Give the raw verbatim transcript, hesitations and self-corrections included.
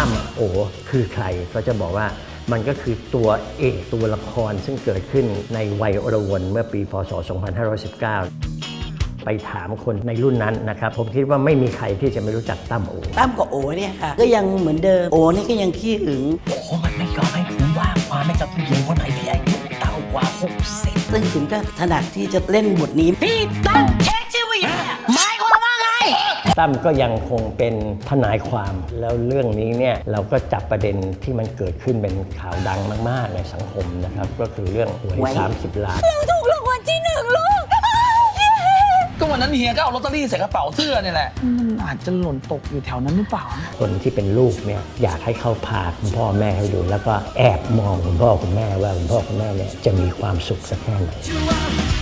ตั้มโอคือใครก็จะบอกว่ามันก็คือตัวเอกตัวละครซึ่งเกิดขึ้นในวัยอรวนเมื่อปีพศสองพันห้าร้อยสิบเก้าไปถามคนในรุ่นนั้นนะครับผมคิดว่าไม่มีใครที่จะไม่รู้จักตั้มโอตั้มกับโอเนี่ยค่ะก็ยังเหมือนเดิมโอนี่ก็ยังขี้หึงโอ้มันไม่ยอมให้ถือว่าความไม่กับผู้หญิงคนไหนที่อายุต่ำกว่าหกสิบซึ่งถึงก็ถนัดที่จะเล่นบทนี้พี่ตั้มเช็คชื่อผู้หญิงหมายความว่าไงตั้มก็ยังคงเป็นทนายความแล้วเรื่องนี้เนี่ยเราก็จับประเด็นที่มันเกิดขึ้นเป็นข่าวดังมากๆในสังคมนะครับก็คือเรื่องหวยสามสิบล้านเราถูกรางวัลที่หนึ่งลูกก็วันนั้นเฮียก็เอาลอตเตอรี่ใส่กระเป๋าเสื้อเนี่ยแหละมันอาจจะหล่นตกอยู่แถวนั้นหรือเปล่าคนที่เป็นลูกเนี่ยอยากให้เขาพาคุณพ่อแม่ให้ดูแล้วก็แอบมองคุณพ่อคุณแม่ว่าคุณพ่อคุณแม่เนี่ยจะมีความสุขสักแค่ไหน